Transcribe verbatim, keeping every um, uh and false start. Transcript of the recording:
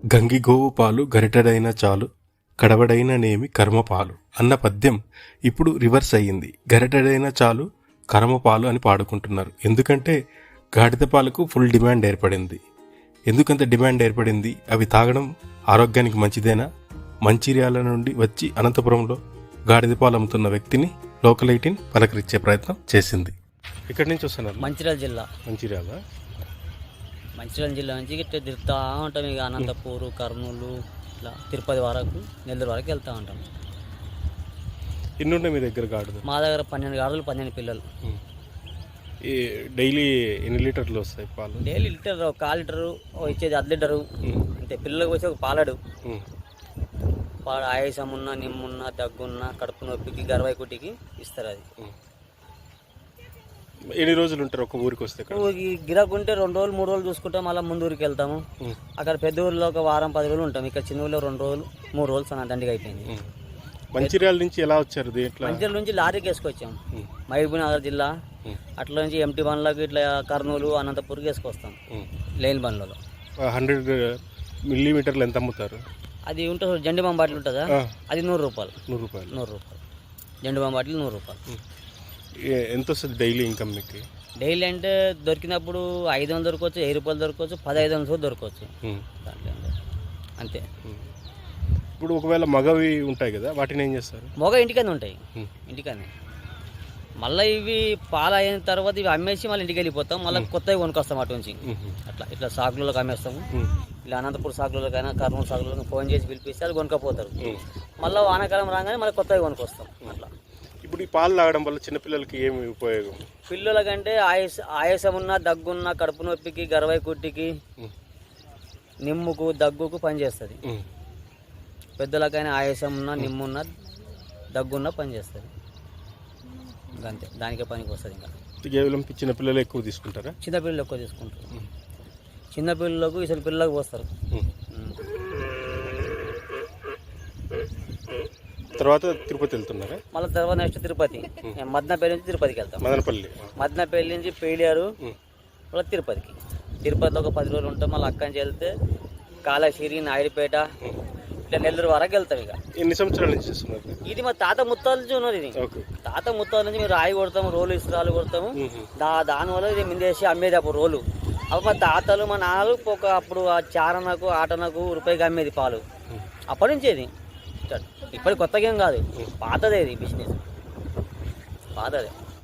గంగిగోవు పాలు గరిటెడైన చాలు కడవడైన నేమి కర్మపాలు అన్న పద్యం ఇప్పుడు రివర్స్ అయ్యింది. గరిటెడైన చాలు కర్మపాలు అని పాడుకుంటున్నారు. ఎందుకంటే గాడిద పాలకు ఫుల్ డిమాండ్ ఏర్పడింది. ఎందుకంత డిమాండ్ ఏర్పడింది? అవి తాగడం ఆరోగ్యానికి మంచిదేనా? మంచిర్యాల నుండి వచ్చి అనంతపురంలో గాడిద పాలు అమ్ముతున్న వ్యక్తిని లోకల్ ఎయిటీన్ పలకరించే ప్రయత్నం చేసింది. ఇక్కడి నుంచి వస్తున్నారు? మంచిర్యాల జిల్లా. మంచిర్యాల మంచిర్యాల జిల్లా నుంచి ఇట్లా తిరుగుతూ ఉంటాం. ఇక అనంతపూరు, కర్నూలు, ఇట్లా తిరుపతి వరకు, నెల్లూరు వరకు వెళ్తూ ఉంటాం. ఎన్ని ఉన్నాయి మీ దగ్గర గాడిద? మా దగ్గర పన్నెండు గాడులు, పన్నెండు పిల్లలు. డైలీ ఎన్ని లీటర్లు వస్తాయి పాలు? డైలీ లీటర్, ఒక కాలు లీటరు ఇచ్చేది, అర్ధ లీటరు. అంటే పిల్లలకు వచ్చి ఒక పాలడు పాడు ఆయాసం ఉన్నా, నిమ్మున్నా, దగ్గున్నా, కడుపు నొప్పికి, గర్వాయి కుట్టికి ఇస్తారు. అది ఎన్ని రోజులు ఉంటారు ఒక ఊరికి వస్తే? ఊరికి గిరాకుంటే రెండు రోజులు మూడు రోజులు చూసుకుంటాం. మళ్ళీ ముందు ఊరికి వెళ్తాము. అక్కడ పెద్ద ఊరిలో ఒక వారం పది రోజులు ఉంటాం. ఇక్కడ చిన్న ఊరిలో రెండు రోజులు మూడు రోజులు సన్న దండిగా అయిపోయింది. మంచిర్యాల నుంచి ఎలా వచ్చారు? మంచిర్యాల నుంచి లారీకి వేసుకొచ్చాము. మహబూబ్ నగర్ జిల్లా అట్లా నుంచి ఎంటీ బండ్లకు ఇట్లా కర్నూలు, అనంతపూర్కి వేసుకొస్తాం. లైన్ బండ్లలో హండ్రెడ్ మిల్లీమీటర్లు ఎంత అమ్ముతారు? అది ఉంటుంది, జండి బాంబు బాటిల్ ఉంటుందా, అది నూరు రూపాయలు. నూరు రూపాయలు నూరు రూపాయలు జండి బాంబు బాటిల్ నూరు రూపాయలు. ఎంత వస్తుంది డైలీ ఇన్కమ్ మీకు? డైలీ అంటే దొరికినప్పుడు ఐదు వందలు దొరకవచ్చు, వెయ్యి రూపాయలు దొరకవచ్చు, పదహైదు వందలు దొరకవచ్చు. దాంట్లో అంతే. ఇప్పుడు ఒకవేళ మగవి ఉంటాయి కదా, వాటిని ఏం చేస్తారు? మగ ఇంటికనే ఉంటాయి, ఇంటికనే. మళ్ళీ ఇవి పాలు అయిన తర్వాత ఇవి అమ్మేసి మళ్ళీ ఇంటికి వెళ్ళిపోతాం. మళ్ళీ కొత్తవి కొనుక్కొస్తాం అటు నుంచి. అట్లా ఇట్లా సాకులలోకి అమ్మేస్తాము. ఇలా అనంతపూర్ సాకులకైనా, కర్నూలు సాకులకు ఫోన్ చేసి పిలిపిస్తే అది కొనుక్కపోతారు. మళ్ళీ వానాకాలం రాగానే మళ్ళీ కొత్తవి కొనుక్కొస్తాం. అట్లా. ఇప్పుడు ఈ పాలు తాగడం వల్ల చిన్నపిల్లలకి ఏమి ఉపయోగం? పిల్లలకంటే ఆయాస ఆయాసం ఉన్న, దగ్గున్న, కడుపు నొప్పికి, గర్వాయి కుట్టికి, నిమ్ముకు, దగ్గుకు పనిచేస్తుంది. పెద్దలకైనా ఆయాసం ఉన్న, నిమ్మున్న, దగ్గున్న పనిచేస్తుంది. అంతే, దానికే పనికి వస్తుంది. ఇంకా కేవలం చిన్నపిల్లలు ఎక్కువ తీసుకుంటారా? చిన్నపిల్లలు ఎక్కువ తీసుకుంటారు. చిన్నపిల్లలకు ఇసలు పిల్లలకు పోస్తారు. తర్వాత తిరుపతి వెళ్తున్నారా? మళ్ళీ తర్వాత నెక్స్ట్ తిరుపతి, మదనపల్లి నుంచి తిరుపతికి వెళ్తాం. మదనపల్లి మదనపల్లి నుంచి పేలియారు, మళ్ళీ తిరుపతికి. తిరుపతిలో ఒక పది రోజులు ఉంటాం. మళ్ళీ అక్కడి నుంచి వెళ్తే కాళేశ్వరి, నాయుడుపేట, ఇట్లా నెల్లూరు వరకు వెళ్తాం. ఇక ఎన్ని సంవత్సరాల నుంచి చేస్తున్నారు ఇది? మా తాత ముత్తాల నుంచి ఉన్నది. ఇది తాత ముత్తాల నుంచి మేము రాయి కొడతాము, రోలు ఇసురాలు కొడతాము. దా దానివల్ల ఇది మిందేసి అమ్మేది అప్పుడు రోలు. అప్పుడు మా తాతలు, మా నాన్నలు ఒక అప్పుడు ఆ చారణకు, ఆటనకు రూపాయికి అమ్మేది పాలు. అప్పటి నుంచి ఇది ఇప్పటి కొత్తగా ఏం కాదు, పాతదే ఇది బిజినెస్, పాతదే.